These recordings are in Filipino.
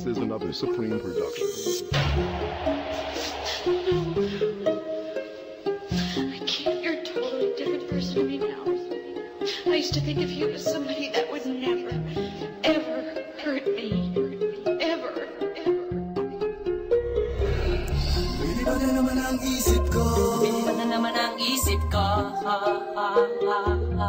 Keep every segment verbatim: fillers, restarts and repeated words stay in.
is another Supreme production. I can't. You're a totally different person to me now. I used to think of you as somebody that would never, ever hurt me. Ever, ever. Lumilipad na naman ang isip ko. Lumilipad na naman ang isip ko. Ha, ha, ha, ha.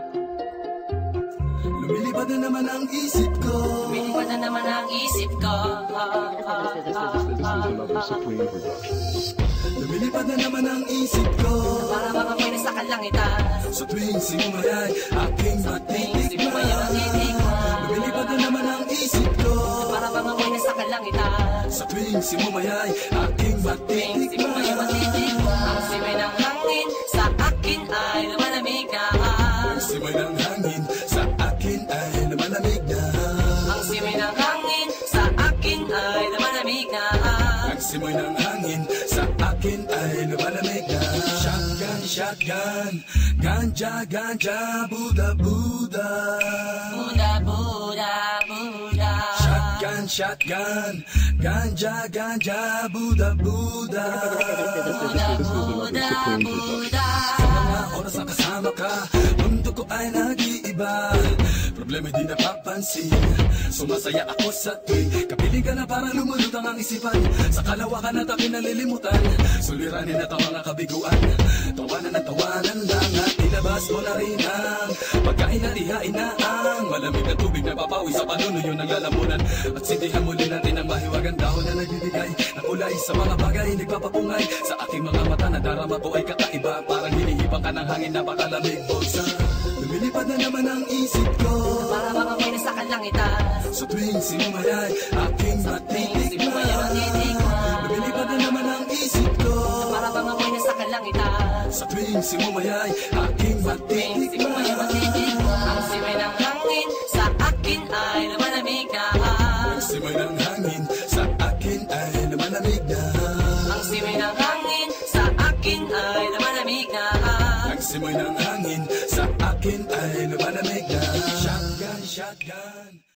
Lumilipad na naman ang isip ko. Lumilipad na naman ang isip ko. Ha, ha, This is, ha, this is ha, another ha. Supreme production. Lumilipad na naman ang isip ko. Para bang ako'y nasa kalangitan. Sa tuwing sinumayay, aking Tuwing simumay ang matitikman. titikman. Lumilipad na naman ang isip ko. Para bang ako'y nasa kalangitan. Sa tuwing sinumayay, aking Tuwing simumay ang matitikman. titikman. Ang simay ng hangin sa akin ay lumalamig na. Ang simay ng hangin sa akin ay lumalamig na. Ang simay ng hangin sa akin ay lumalamig na. Ang simoy ng hangin sa akin ay lumalamig na. Shotgun, shotgun, ganja, ganja, Buddha, Buddha. Buda, Buda, Buda. Shotgun, shotgun, ganja, ganja, Buddha, Buddha. Buda, Buda, Buda. Sa mga oras na kasama ka, mundo ko ay nag-iiba. Problema di napapansin, sumasaya ako sa tuwing kapiling ka na parang lumulutang ang isipan. Sa kalawakan at aking nalilimutan, suliranin at ang mga kabiguan. Tawanan at tawanan lang at ilabas mo na rin ang pagkain at ihain na ang malamig na tubig na papawi sa panunuyo ng lalamunan. At sindihan muli natin ang mahiwagang dahon na nagbibigay ng kulay sa mga bagay nagpapapungay. Sa aking mga mata na darama ko ay kakaiba, parang hinihipang ka ng hangin na pakalamig. Bulsa, lumilipad na naman ang isip ko. Para bang ako'y nasa kalangitan. Sa tuwing sinumayay, aking Tuwing simumay ang matitikman. titikman. Lumilipad na naman ang isip ko. Para bang ako'y nasa kalangitan. Sa tuwing sinumayay, aking Tuwing simumay ang matitikman. titikman. Ang simay ng hangin sa akin ay lumalamig na. Ang simoy ng hangin sa akin ay lumalamig na. Ang simay ng hangin sa akin ay lumalamig na. Ang simoy ng hangin sa akin ay lumalamig na. Shotgun, shotgun.